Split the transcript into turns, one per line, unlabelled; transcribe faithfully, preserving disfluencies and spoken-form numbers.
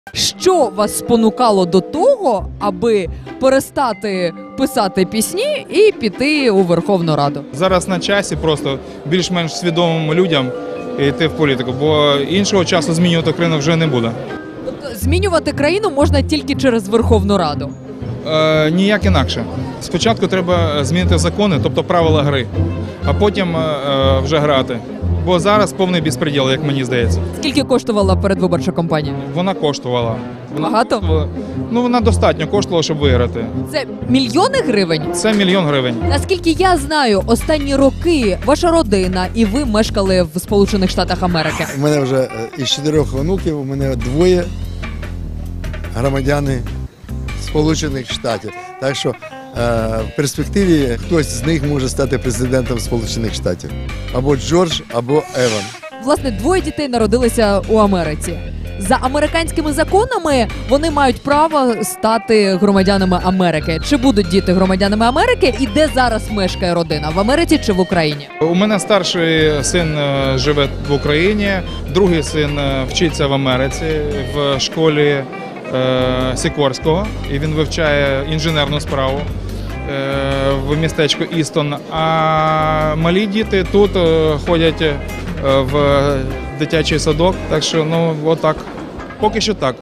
Що вас спонукало до того, аби перестати писати пісні і піти у Верховну Раду?
Зараз на часі просто більш-менш свідомим людям йти в політику, бо іншого часу змінювати країну вже не буде.
Тобто змінювати країну можна тільки через Верховну Раду?
Е, ніяк інакше. Спочатку треба змінити закони, тобто правила гри, а потім е, вже грати. Бо зараз повний безпреділ, як мені здається.
Скільки коштувала передвиборча кампанія?
Вона коштувала. Вона
Багато?
коштувала- Ну, вона достатньо коштувала, щоб виграти.
Це мільйони гривень?
Це мільйон гривень.
Наскільки я знаю, останні роки ваша родина і ви мешкали в Сполучених Штатах Америки.
У мене вже е, із чотирьох онуків, у мене двоє громадяни Сполучених Штатів. Так що е, в перспективі хтось з них може стати президентом Сполучених Штатів. Або Джордж, або Еван.
Власне, двоє дітей народилися у Америці. За американськими законами вони мають право стати громадянами Америки. Чи будуть діти громадянами Америки? І де зараз мешкає родина? В Америці чи в Україні?
У мене старший син е, живе в Україні, другий син е, вчиться в Америці в школі е, Сікорського, і він вивчає інженерну справу е, в містечку Істон. А малі діти тут е, ходять е, в дитячий садок, так що ну отак. Поки що так.